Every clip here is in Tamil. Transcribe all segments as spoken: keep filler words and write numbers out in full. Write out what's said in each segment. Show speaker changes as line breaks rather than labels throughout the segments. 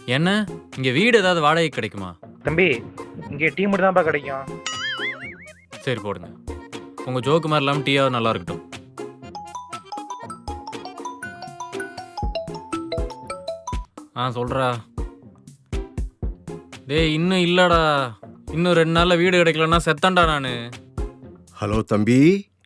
என்ன இங்கே வீடு ஏதாவது வாடகை கிடைக்குமா?
தம்பி இங்கே டீ மட்டும் தான்ப்பா கிடைக்கும்.
சரி போடுங்க. உங்கள் ஜோக்கு மாதிரி இல்லாமல் டீயாவது நல்லா இருக்கட்டும். ஆ சொல்கிறா. டேய் இன்னும் இல்லைடா, இன்னும் ரெண்டு நாளில் வீடு கிடைக்கலன்னா செத்தண்டா நான்.
ஹலோ தம்பி,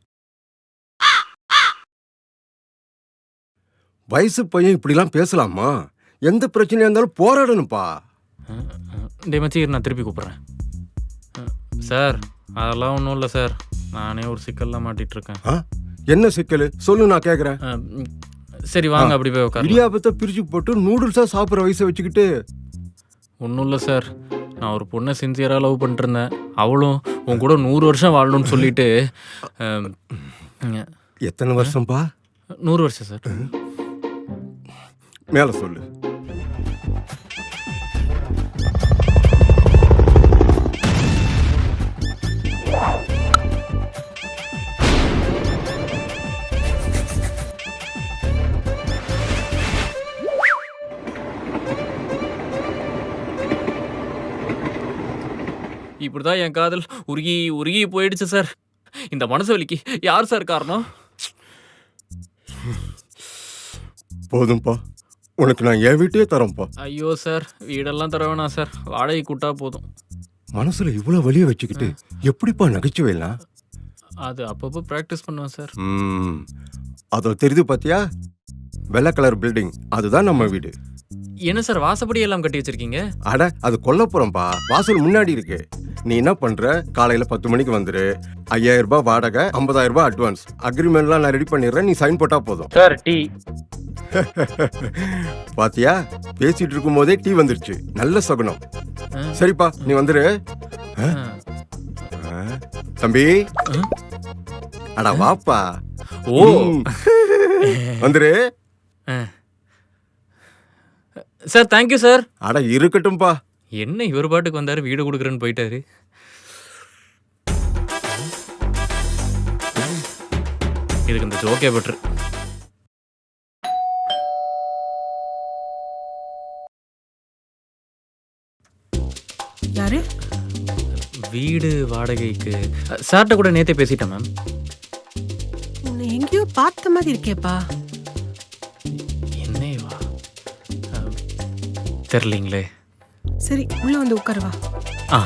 வயசு பையன் இப்படிலாம் பேசலாமா? எந்த பிரச்சனையா இருந்தாலும் போராடணும்ப்பா.
டே மச்சி நான் திருப்பி கூப்பிட்றேன். சார் அதெல்லாம் ஒன்றும் இல்லை சார், நானே ஒரு சிக்கல்லாம் மாட்டிகிட்ருக்கேன்.
ஆ என்ன சிக்கல் சொல்லு, நான் கேட்குறேன்.
சரி வாங்க அப்படி போய் உட்காரு.
இடியாபத்தை பிரித்து போட்டு நூடுல்ஸாக சாப்பிட்ற வயசை வச்சுக்கிட்டு.
ஒன்றும் இல்லை சார், நான் ஒரு பொண்ணை சின்சியராக லவ் பண்ணிட்டுருந்தேன். அவளும் உன் கூட நூறு வருஷம் வாழணும்னு சொல்லிட்டு.
எத்தனை வருஷம்ப்பா?
நூறு வருஷம் சார்.
மேலே சொல்லு.
இப்படிதான் என் காதல் உருகி உருகி போயிடுச்சு சார். இந்த மனசு வலிக்கு யார் சார் காரணம்?
போதும்ப்பா, உனக்கு நான் என் வீட்டையே தரேன்ப்பா.
ஐயோ சார், வீடெல்லாம் தர வேணாம் சார், வாடகை கூட்டா போதும்.
மனசுல இவ்வளோ வலியை வச்சுக்கிட்டு எப்படிப்பா நகைச்சுவைலாம்?
அது அப்பப்போ ப்ராக்டிஸ் பண்ணுவேன் சார்.
ம் அதோ தெரியுது பார்த்தியா, வெள்ளை கலர் பில்டிங், அதுதான் நம்ம வீடு.
என்ன சார் வாசப்படி எல்லாம் கட்டி வச்சிருக்கீங்க?
அட அது கொல்லப்புறம்பா, வாசல் முன்னாடி இருக்கு. நீ என்ன பண்ற, காலையில பத்து மணிக்கு வந்துரு. ஐயாயிரம் ரூபாய் வாடகை, ஐம்பதாயிரம் ரூபாய் அட்வான்ஸ். அக்ரிமெண்ட்லாம் நான் ரெடி பண்ணிடுறேன், நீ சைன் போட்டா போதும்.
Sir tea.
பாத்தியா, பேசிட்டு இருக்கும் போதே டீ வந்துருச்சு, நல்ல சகுனம். சரிப்பா நீ வந்துரு. தம்பி அடா வாப்பா.
ஓ
வந்துரு
சார். Thank you sir.
அட இருக்கட்டும்பா.
என்ன இவர் பாட்டுக்கு வந்தாரு, வீடு கொடுக்குறேன்னு போயிட்டாரு. இதுக்கு இந்த ஜோக்கே பெட்ரு.
யாரு?
வீடு வாடகைக்கு சார்ட்ட கூட நேத்தே பேசிட்டேன் மேம்.
உன்னை எங்கேயோ பார்த்த மாதிரி இருக்கேப்பா.
என்னவா தெரியலீங்களே.
சரி உள்ள வந்து உட்காரு வா.
ஆ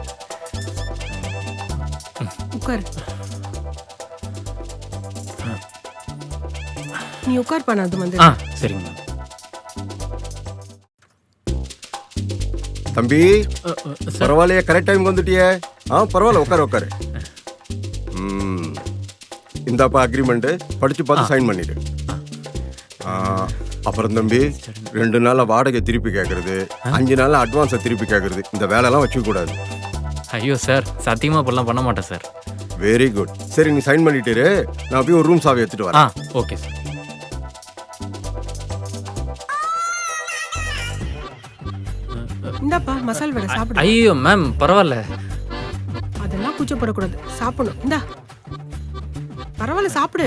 உட்காரு. நீ உட்கார் பண்ண, அது வந்து.
ஆ சரிங்க மேம்.
தம்பி பரவாயில்லையே, கரெக்ட் டைம் வந்துட்டியே. ஆ பரவாயில்ல, உட்காரு உட்காரு. ம் இந்தாப்பா அக்ரிமெண்ட், படிச்சு பார்த்து சைன் பண்ணிடு. அப்புறம் தம்பி, ரெண்டு நாள்ல வாடகை திருப்பி கேட்கறது, அஞ்சு நாள்ல அட்வான்ஸை திருப்பி கேட்கறது, இந்த வேலையெல்லாம் வச்சுக்க கூடாது.
ஐயோ சார், சத்தியமா இப்பெல்லாம் பண்ண மாட்டேன் சார்.
Very good. சரி நீ சைன் பண்ணிட்டு, நான் போய் ஒரு ரூம் சாவி எடுத்துட்டு வரேன்.
ஆ ஓகே சார்.
இந்தாப்பா மசால் வடை சாப்பிடு.
ஐயோ மேம் பரவாயில்ல.
அதெல்லாம் கூச்சப்படக்கூடாது, சாப்பிடணும். இந்தா பரவாயில்ல சாப்பிடு.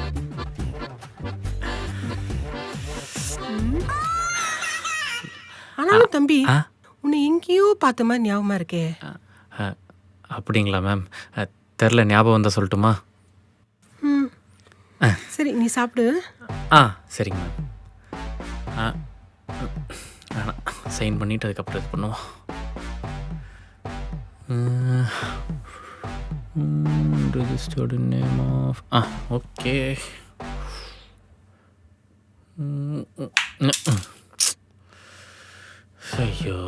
ஆனாலும் தம்பி, உன்னை எங்கேயோ பார்த்த மாதிரி ஞாபகமா இருக்கே.
அப்படிங்களா மேம்? தெரில, ஞாபகம் வந்தால் சொல்லட்டுமா?
ம் சரி நீ சாப்பிடு.
ஆ சரிங்க மேம். ஆ வேணாம், சைன் பண்ணிவிட்டு அதுக்கப்புறம் இது பண்ணுவோம். Registered name of. ஆ ஓகே. ஐயோ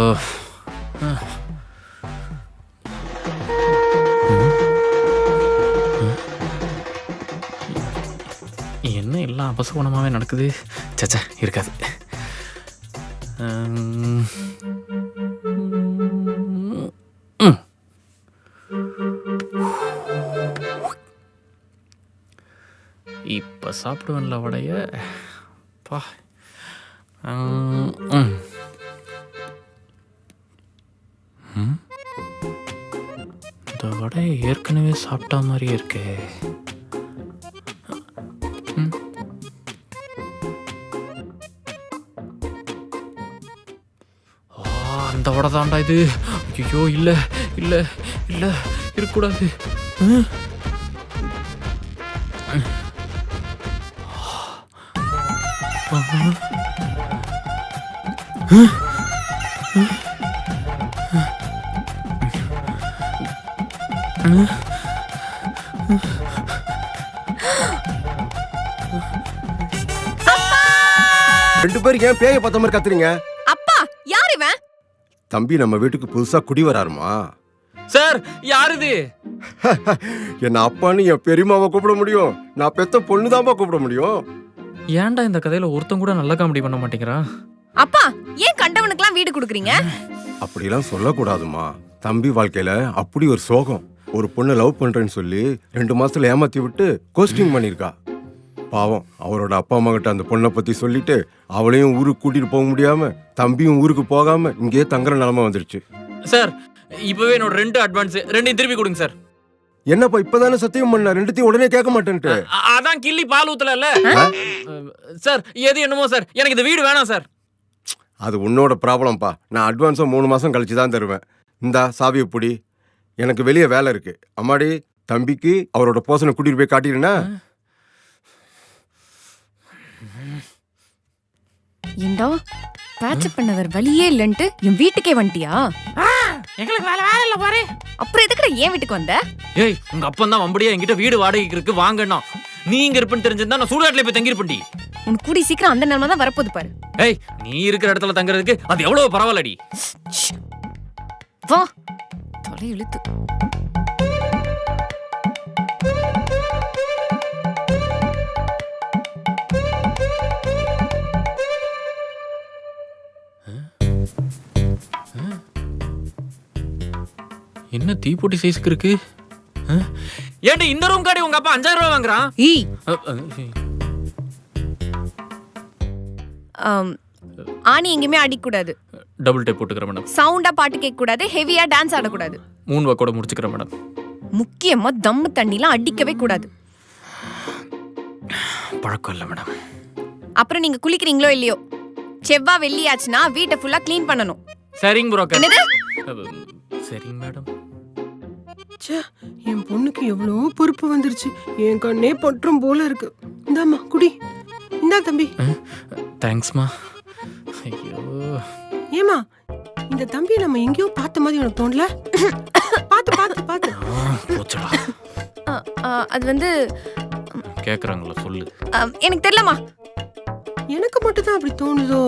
என்ன எல்லாம் அபசகுணமாகவே நடக்குது. சச்சா இருக்காது. இப்போ சாப்பிடுவேன்ல வடைய. பா இந்த வடையை ஏற்கனவே சாப்பிட்டா மாதிரியே இருக்கே. தவட தாண்டா இது. ஐயோ இல்லை இல்லை இல்லை இருக்கக்கூடாது. ஆ?
ரெண்டு பேரும் ஏன் பேய பார்த்த மாதிரி கத்துறீங்க?
அப்பா யார் இவன்?
தம்பி நம்ம வீட்டுக்கு புதுசா குடி வராருமா.
சார் யார் இது?
என்ன அப்பான்னு என் பெரியமாவை கூப்பிட முடியும், நான் பெத்த பொண்ணுதான்ப்பா கூப்பிட முடியும்.
ஏன்டா இந்த கதையில ஒருத்தன் கூட நல்ல காமெடி பண்ண மாட்டேங்கிறான்?
அப்பா ஏன் கண்டவனுக்குலாம் வீடு கொடுக்குறீங்க?
அப்படிலாம் சொல்லக்கூடாதுமா. தம்பி வாழ்க்கையில அப்படி ஒரு சோகம். ஒரு பொண்ணை லவ் பண்றேன்னு சொல்லி ரெண்டு மாசத்துல ஏமாத்தி விட்டு கோஸ்டிங் பண்ணிருக்கா. பாவம் அவரோட அப்பா அம்மா கிட்ட அந்த பொண்ணை பத்தி சொல்லிட்டு அவளையும் ஊருக்கு கூட்டிட்டு போக முடியாம தம்பியும் ஊருக்கு போகாம இங்கேயே தங்குற நிலைமை வந்துருச்சு.
சார் இப்பவே என்னோட ரெண்டு அட்வான்ஸ் ரெண்டையும் திருப்பி கொடுங்க சார்.
என்னப்பா இப்பதானே சத்தியம் பண்ண, ரெண்டுத்தையும் உடனே கேட்க மாட்டேன்ட்டு.
அ- அதான் கிள்ளி பால் ஊத்தல சார். எது என்னமோ சார், எனக்கு இந்த வீடு வேணாம் சார்.
அது உன்னோட ப்ராப்ளம்ப்பா. நான் அட்வான்ஸை மூணு மாசம் கழிச்சு தான் தருவேன். இந்தா சாவியை புடி, எனக்கு வெளியே வேலை இருக்கு. அம்மாடி தம்பிக்கு அவரோட போசனை கூட்டிட்டு போய் காட்டிடுனா.
ஏண்டா பேட்சப் பண்ணவர் வழியே இல்லன்ட்டு என் வீட்டுக்கே வந்துட்டியா?
எங்களுக்கு வேலை வேலை இல்ல பாரு.
அப்புறம் எதுக்குடா ஏன் வீட்டுக்கு வந்த?
ஏய் உங்க அப்பன் தான் வம்படியா என்கிட்ட வீடு வாடகைக்கு இருக்கு வாங்கண்ணா. நீ இங்க இருப்பேன்னு தெரிஞ்சிருந்தா நான் சூடாட்டில போய் தங்கிருப்பேன்டி.
உனக்கு கூடி சீக்கிரம் அந்த நிலைமை தான் வரப்போகுது பாரு.
ஏய் நீ இருக்கிற இடத்துல தங்குறதுக்கு அது எவ்வளவு பரவாயில்லடி.
வா தலை இழுத்து.
என்ன தீப்பொட்டி சைஸ்க்கு இருக்கு? ஏன்டி இந்த ரூம் காடி உங்க அப்பா அஞ்சாயிரம் ரூபாய் வாங்குறான்?
ஈ
அ, அ,
ஆம், ஆணி எங்கேயுமே அடிக்கூடாது,
டபுள் டேப் போட்டுக்கிறேன் மேடம்.
சவுண்டா பாட்டு கேட்க கூடாது, ஹெவியா டான்ஸ் ஆடக்கூடாது,
மூணு வா கூட முடிச்சுக்கிறேன் மேடம்.
முக்கியமா தம்மு தண்ணிலாம் அடிக்கவே கூடாது.
பழக்கம் இல்லை மேடம்.
அப்புறம் நீங்க குளிக்கிறீங்களோ இல்லையோ, செவ்வா வெள்ளி ஆச்சுன்னா வீட்டை ஃபுல்லா க்ளீன் பண்ணணும்.
சரிங்க புரோக்கர்.
என்னது?
சரிங்க மேடம்.
ச்சே, என் பொண்ணுக்கு எவ்வளோ பொறுப்பு வந்துருச்சு. என் கண்ணே பற்றும் போல இருக்கு. இந்தாம்மா குடி. இந்தா தம்பி.
தேங்க்ஸ்மா. ஐயோ
ஏமா இந்த தம்பியை நம்ம எங்கேயோ பார்த்த மாதிரி உனக்கு தோணல? பார்த்து பார்த்து பார்த்து.
போச்சடா.
ஆ, ஆ, அது வந்து
கேக்குறாங்களா சொல்லு.
ஆ, எனக்கு தெரியலமா.
எனக்கு மட்டும் தான் அப்படி தோணுதோ?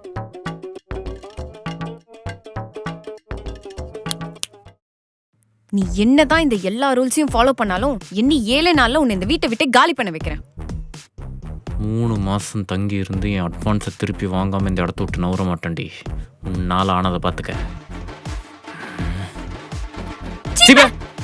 நீ என்னதான் இந்த எல்லா ரூல்ஸையும் ஃபாலோ பண்ணாலும் இன்னி ஏழு நாள்ல உன்னை இந்த வீட்டை விட்டு காலி பண்ண வைக்கிறேன்.
மூணு மாசம் தங்கி இருந்து என் அட்வான்ஸை திருப்பி வாங்காம இந்த இடத்த விட்டு நவர மாட்டேன்டி. உன்னால ஆனதை பார்த்துக்க.